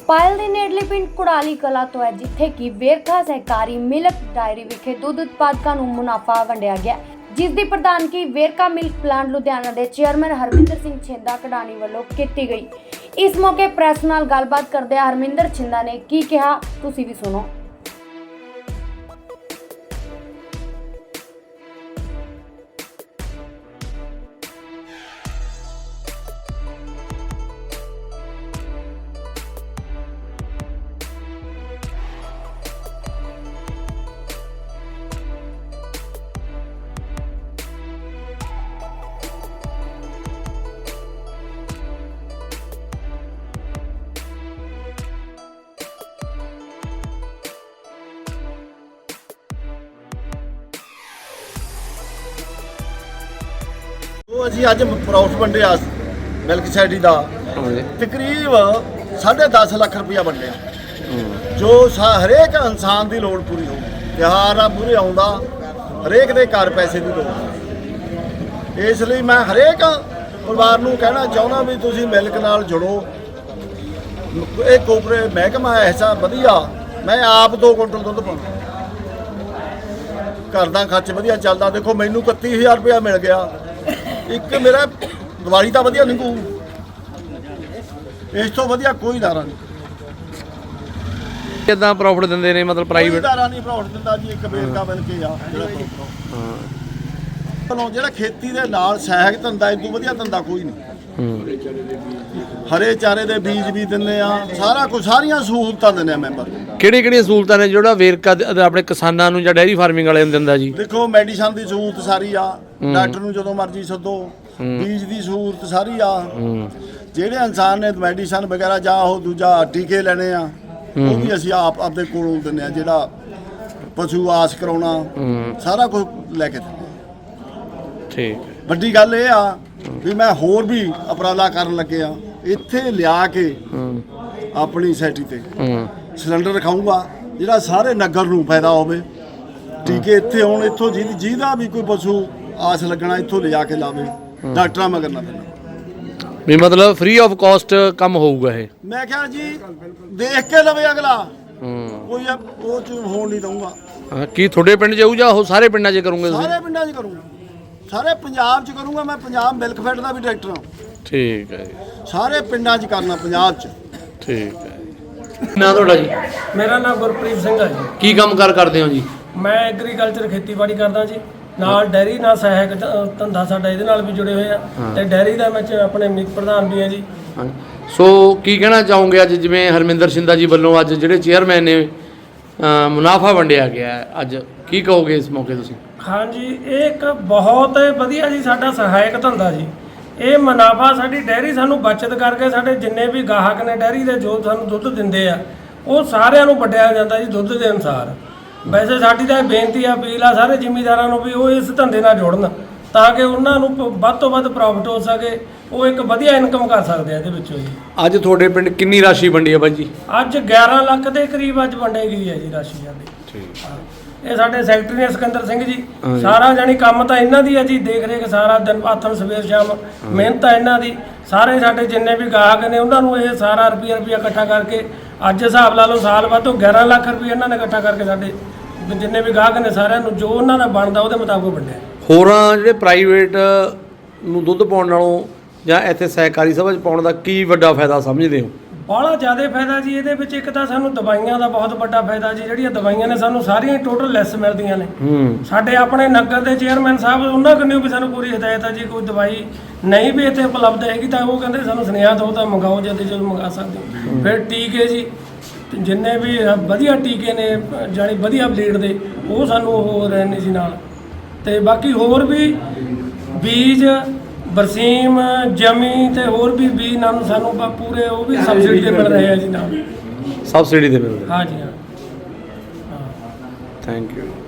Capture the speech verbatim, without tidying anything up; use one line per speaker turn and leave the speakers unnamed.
पायल ਦੇ ਨੇੜਲੇ ਪਿੰਡ ਕੁੜਾਲੀ ਕਲਾ ਤੋਂ ਹੈ ਜਿੱਥੇ ਕਿ ਵੇਰਖਾ ਸਹਿਕਾਰੀ ਮਿਲਕ ਡਾਇਰੀ ਵਿਖੇ ਦੁੱਧ ਉਤਪਾਦਕਾਂ ਨੂੰ ਮੁਨਾਫਾ ਵੰਡਿਆ ਗਿਆ, ਜਿਸ ਦੀ ਪ੍ਰਧਾਨਗੀ ਵੇਰਕਾ ਮਿਲਕ ਪਲਾਂਟ ਲੁਧਿਆਣਾ ਦੇ ਚੇਅਰਮੈਨ ਹਰਮਿੰਦਰ ਸਿੰਘ ਛਿੰਦਾ ਕਢਾਣੀ ਵੱਲੋਂ ਕੀਤੀ ਗਈ। ਇਸ ਮੌਕੇ ਪ੍ਰੈਸ ਨਾਲ ਗੱਲਬਾਤ ਕਰਦਿਆਂ ਹਰਮਿੰਦਰ ਛਿੰਦਾ ਨੇ ਕੀ ਕਿਹਾ, ਤੁਸੀਂ ਵੀ ਸੁਣੋ।
ਅਸੀਂ ਅੱਜ ਪ੍ਰੋਫਿਟ ਵੰਡਿਆ ਮਿਲਕ ਸੋਸਾਇਟੀ ਦਾ ਤਕਰੀਬ ਸਾਢੇ ਦਸ ਲੱਖ ਰੁਪਇਆ ਵੰਡਿਆ, ਜੋ ਹਰੇਕ ਇਨਸਾਨ ਦੀ ਲੋੜ ਪੂਰੀ ਹੋਊ। ਤਿਉਹਾਰ ਆ ਪੂਰੇ ਆਉਂਦਾ, ਹਰੇਕ ਦੇ ਘਰ ਪੈਸੇ ਦੀ ਲੋੜ। ਇਸ ਲਈ ਮੈਂ ਹਰੇਕ ਪਰਿਵਾਰ ਨੂੰ ਕਹਿਣਾ ਚਾਹੁੰਦਾ ਵੀ ਤੁਸੀਂ ਮਿਲਕ ਨਾਲ ਜੁੜੋ। ਇਹ ਕੋਪਰੇ ਮਹਿਕਮਾ ਐਸਾ ਵਧੀਆ, ਮੈਂ ਆਪ ਦੋ ਕੁਇੰਟਲ ਦੁੱਧ ਪਾਉਂਦਾ, ਘਰ ਦਾ ਖਰਚ ਵਧੀਆ ਚੱਲਦਾ। ਦੇਖੋ ਮੈਨੂੰ ਇਕੱਤੀ ਹਜ਼ਾਰ ਰੁਪਇਆ ਮਿਲ ਗਿਆ, ਇੱਕ ਮੇਰਾ ਦਿਵਾਲੀ ਤਾਂ ਵਧੀਆ ਨਿਕੂ, ਇਸ ਤੋਂ ਵਧੀਆ ਕੋਈ ਦਾਰਾ ਨਹੀਂ।
ਕਿੱਦਾਂ ਪ੍ਰੋਫਿਟ ਦਿੰਦੇ ਨੇ ਮਤਲਬ ਪ੍ਰਾਈਵੇਟ
ਦਾਰਾ ਨਹੀਂ ਪ੍ਰੋਫਿਟ ਦਿੰਦਾ ਜੀ। ਇੱਕ ਵੇਰਕਾ ਬਣ ਕੇ ਆ ਜਿਹੜਾ ਹਾਂ ਜਿਹੜਾ ਖੇਤੀ ਦੇ ਨਾਲ ਸਹਾਇਕ ਧੰਦਾ, ਇਸ ਤੋਂ ਵਧੀਆ ਧੰਦਾ ਕੋਈ ਨਹੀਂ। ਹਰੇ ਚਾਰੇ ਦੇ ਬੀਜ ਵੀ ਦਿੰਦੇ ਆ, ਸਾਰਾ ਕੁਝ, ਸਾਰੀਆਂ ਸਹੂਲਤਾਂ ਦਿੰਦੇ ਆ ਮੈਂਬਰ।
ਕਿਹੜੀ ਕਿਹੜੀਆਂ ਸਹੂਲਤਾਂ ਨੇ ਜਿਹੜਾ ਵੇਰਕਾ ਆਪਣੇ ਕਿਸਾਨਾਂ ਨੂੰ ਜਾਂ ਡੈਰੀ ਫਾਰਮਿੰਗ ਵਾਲਿਆਂ ਨੂੰ ਦਿੰਦਾ ਜੀ?
ਦੇਖੋ ਮੈਡੀਸਨ ਦੀ ਸਹੂਲਤ ਸਾਰੀ ਆ, ਡਾਕਟਰ ਨੂੰ ਜਦੋਂ ਮਰਜ਼ੀ ਸੱਦੋ, ਬੀਜ ਦੀ ਸਹੂਲਤ ਸਾਰੀ ਆ। ਜਿਹੜੇ ਇਨਸਾਨ ਨੇ ਮੈਡੀਸਨ ਵਗੈਰਾ ਜਾਂ ਉਹ ਦੂਜਾ ਟੀਕੇ ਲੈਣੇ ਆ, ਉਹ ਵੀ ਅਸੀਂ ਆਪ ਆਪਦੇ ਕੋਲੋਂ ਦਿੰਦੇ ਆ। ਜਿਹੜਾ ਪਸ਼ੂ ਆਸ ਕਰਾਉਣਾ, ਸਾਰਾ ਕੁਝ ਲੈ ਕੇ ਦਿੰਦੇ। ਠੀਕ, ਵੱਡੀ ਗੱਲ ਇਹ ਆ ਵੀ ਮੈਂ ਹੋਰ ਵੀ ਉਪਰਾਲਾ ਕਰਨ ਲੱਗੇ ਆ, ਇੱਥੇ ਲਿਆ ਕੇ ਆਪਣੀ ਸੋਸਾਇਟੀ ਤੇ ਸਿਲੰਡਰ ਰਖਾਊਂਗਾ ਜਿਹੜਾ ਸਾਰੇ ਨਗਰ ਨੂੰ ਫਾਇਦਾ ਹੋਵੇ। ਟੀਕੇ ਇੱਥੇ ਹੁਣ ਇੱਥੋਂ ਜਿਹਦੀ ਜਿਹਦਾ ਵੀ ਕੋਈ ਪਸ਼ੂ ਆਸ ਲੱਗਣਾ ਇੱਥੋਂ ਲਿਜਾ ਕੇ ਲਾਵੇ, ਡਾਕਟਰਾਂ ਮਗਰ ਨਾ ਪੈਣਾ।
ਵੀ ਮਤਲਬ ਫ੍ਰੀ ਆਫ ਕਾਸਟ ਕੰਮ ਹੋਊਗਾ ਇਹ?
ਮੈਂ ਕਿਹਾ ਜੀ ਦੇਖ ਕੇ ਲਵੇ ਅਗਲਾ, ਕੋਈ ਉਹ ਚ ਹੋਣ ਨਹੀਂ ਦਊਂਗਾ।
ਕੀ ਤੁਹਾਡੇ ਪਿੰਡ ਜਾਊ ਜਾਂ ਉਹ ਸਾਰੇ ਪਿੰਡਾਂ 'ਚ ਕਰੋਗੇ ਤੁਸੀਂ?
ਸਾਰੇ ਪਿੰਡਾਂ 'ਚ ਕਰੂੰਗਾ, ਸਾਰੇ ਪੰਜਾਬ 'ਚ ਕਰੂੰਗਾ। ਮੈਂ ਪੰਜਾਬ ਮਿਲਕ ਫੈਡ ਦਾ ਵੀ ਡਾਇਰੈਕਟਰ ਹਾਂ।
ਠੀਕ ਹੈ,
ਸਾਰੇ ਪਿੰਡਾਂ 'ਚ ਕਰਨਾ, ਪੰਜਾਬ 'ਚ।
ਠੀਕ ਹੈ। ਨਾ ਤੁਹਾਡਾ ਜੀ?
ਮੇਰਾ ਨਾਮ ਗੁਰਪ੍ਰੀਤ ਸਿੰਘ ਹੈ ਜੀ।
ਕੀ ਕੰਮ ਕਾਰ ਕਰਦੇ ਹੋ ਜੀ?
ਮੈਂ ਐਗਰੀਕਲਚਰ ਖੇਤੀਬਾੜੀ ਕਰਦਾ ਜੀ, ਨਾਲ ਡੈਰੀ ਨਾਲ ਸਹਾਇਕ ਧੰਦਾ ਸਾਡਾ ਇਹਦੇ ਨਾਲ ਵੀ ਜੁੜੇ ਹੋਏ ਆ, ਤੇ ਡੈਰੀ ਦਾ ਮੈਂ ਆਪਣੇ ਮੀਤ ਪ੍ਰਧਾਨ ਵੀ ਹਾਂ ਜੀ।
ਸੋ ਕੀ ਕਹਿਣਾ ਚਾਹੋਗੇ ਅੱਜ ਜਿਵੇਂ ਹਰਮਿੰਦਰ ਛਿੰਦਾ ਜੀ ਵੱਲੋਂ ਅੱਜ ਜਿਹੜੇ ਚੇਅਰਮੈਨ ਨੇ ਮੁਨਾਫਾ ਵੰਡਿਆ ਗਿਆ, ਅੱਜ ਕੀ ਕਹੋਗੇ ਇਸ ਮੌਕੇ ਤੁਸੀਂ?
ਹਾਂਜੀ, ਇਹ ਇੱਕ ਬਹੁਤ ਵਧੀਆ ਜੀ ਸਾਡਾ ਸਹਾਇਕ ਧੰਦਾ ਜੀ। ਇਹ ਮੁਨਾਫਾ ਸਾਡੀ ਡੈਰੀ ਸਾਨੂੰ ਬਚਤ ਕਰਕੇ ਸਾਡੇ ਜਿੰਨੇ ਵੀ ਗਾਹਕ ਨੇ ਡੈਰੀ ਦੇ ਜੋ ਸਾਨੂੰ ਦੁੱਧ ਦਿੰਦੇ ਆ, ਉਹ ਸਾਰਿਆਂ ਨੂੰ ਵੰਡਿਆ ਜਾਂਦਾ ਜੀ ਦੁੱਧ ਦੇ ਅਨੁਸਾਰ। ਵੈਸੇ ਸਾਡੀ ਤਾਂ ਬੇਨਤੀ ਆ, ਅਪੀਲ ਆ ਸਾਰੇ ਜ਼ਿਮੀਂਦਾਰਾਂ ਨੂੰ ਵੀ ਉਹ ਇਸ ਧੰਦੇ ਨਾਲ ਜੁੜਨ, ਤਾਂ ਕਿ ਉਹਨਾਂ ਨੂੰ ਵੱਧ ਤੋਂ ਵੱਧ ਪ੍ਰੋਫਿਟ ਹੋ ਸਕੇ, ਉਹ ਇੱਕ ਵਧੀਆ ਇਨਕਮ ਕਰ ਸਕਦੇ ਆ ਇਹਦੇ ਵਿੱਚੋਂ ਜੀ। ਅੱਜ
ਤੁਹਾਡੇ ਪਿੰਡ ਕਿੰਨੀ ਰਾਸ਼ੀ ਵੰਡੀ ਹੈ ਬਾਈ ਜੀ?
ਅੱਜ ਗਿਆਰਾਂ ਲੱਖ ਦੇ ਕਰੀਬ ਅੱਜ ਵੰਡੀ ਗਈ ਹੈ ਜੀ ਰਾਸ਼ੀ ਸਾਡੀ। ਠੀਕ, ਇਹ ਸਾਡੇ ਸੈਕਟਰੀ ਨੇ ਸਿਕੰਦਰ ਸਿੰਘ ਜੀ, ਸਾਰਾ ਜਾਨੀ ਕੰਮ ਤਾਂ ਇਹਨਾਂ ਦੀ ਹੈ ਜੀ, ਦੇਖ ਰੇਖ ਸਾਰਾ ਦਿਨ ਆਥਣ ਸਵੇਰ ਸ਼ਾਮ ਮਿਹਨਤ ਆ ਇਹਨਾਂ ਦੀ। ਸਾਰੇ ਸਾਡੇ ਜਿੰਨੇ ਵੀ ਗਾਹਕ ਨੇ ਉਹਨਾਂ ਨੂੰ ਇਹ ਸਾਰਾ ਰੁਪਈਆ ਰੁਪਈਆ ਇਕੱਠਾ ਕਰਕੇ, ਅੱਜ ਹਿਸਾਬ ਲਾ ਲਓ ਸਾਲ ਬਾਅਦ ਤੋਂ ਗਿਆਰਾਂ ਲੱਖ ਰੁਪਈਆ ਇਹਨਾਂ ਨੇ ਇਕੱਠਾ ਕਰਕੇ ਸਾਡੇ ਜਿੰਨੇ ਵੀ ਗਾਹਕ ਨੇ ਸਾਰਿਆਂ ਨੂੰ ਜੋ ਉਹਨਾਂ ਦਾ ਬਣਦਾ ਉਹਦੇ ਮੁਤਾਬਕ ਵੰਡਿਆ।
ਹੋਰਾਂ ਜਿਹੜੇ ਪ੍ਰਾਈਵੇਟ ਨੂੰ ਦੁੱਧ ਪਾਉਣ ਨਾਲੋਂ ਜਾਂ ਇੱਥੇ ਸਹਿਕਾਰੀ ਸਭਾ 'ਚ ਪਾਉਣ ਦਾ ਕੀ ਵੱਡਾ ਫਾਇਦਾ ਸਮਝਦੇ ਹੋ?
ਬਾਹਲਾ ਜ਼ਿਆਦਾ ਫਾਇਦਾ ਜੀ ਇਹਦੇ ਵਿੱਚ। ਇੱਕ ਤਾਂ ਸਾਨੂੰ ਦਵਾਈਆਂ ਦਾ ਬਹੁਤ ਵੱਡਾ ਫਾਇਦਾ ਜੀ, ਜਿਹੜੀਆਂ ਦਵਾਈਆਂ ਨੇ ਸਾਨੂੰ ਸਾਰੀਆਂ ਟੋਟਲ ਲੈਸ ਮਿਲਦੀਆਂ ਨੇ। ਸਾਡੇ ਆਪਣੇ ਨਗਰ ਦੇ ਚੇਅਰਮੈਨ ਸਾਹਿਬ ਉਹਨਾਂ ਕੋਲੋਂ ਵੀ ਸਾਨੂੰ ਪੂਰੀ ਹਦਾਇਤ ਹੈ ਜੀ, ਕੋਈ ਦਵਾਈ ਨਹੀਂ ਵੀ ਇੱਥੇ ਉਪਲਬਧ ਹੈਗੀ ਤਾਂ ਉਹ ਕਹਿੰਦੇ ਸਾਨੂੰ ਸੁਨੇਹਾ ਦਿਓ ਤਾਂ ਮੰਗਾਓ, ਜਦ ਜਦੋਂ ਮੰਗਾ ਸਕਦੇ। ਫਿਰ ਟੀਕੇ ਜੀ ਜਿੰਨੇ ਵੀ ਵਧੀਆ ਟੀਕੇ ਨੇ ਜਾਨੀ ਵਧੀਆ ਬਲੀਡ ਦੇ, ਉਹ ਸਾਨੂੰ ਹੋ ਰਹੇ ਨੇ ਜੀ ਨਾਲ। ਤੇ ਬਾਕੀ ਹੋਰ ਵੀ ਬੀਜ, ਬਰਸੀਮ, ਜਮੀ ਤੇ ਹੋਰ ਵੀ ਬੀਜ ਨਾਲ ਸਾਨੂੰ ਪੂਰੇ ਉਹ ਵੀ ਸਬਸਿਡੀ ਤੇ ਮਿਲ ਰਹੇ ਆ ਜੀ ਨਾਲ।
ਸਬਸਿਡੀ ਤੇ ਮਿਲ ਰਹੇ?
ਹਾਂ ਜੀ, ਹਾਂ।
Thank you.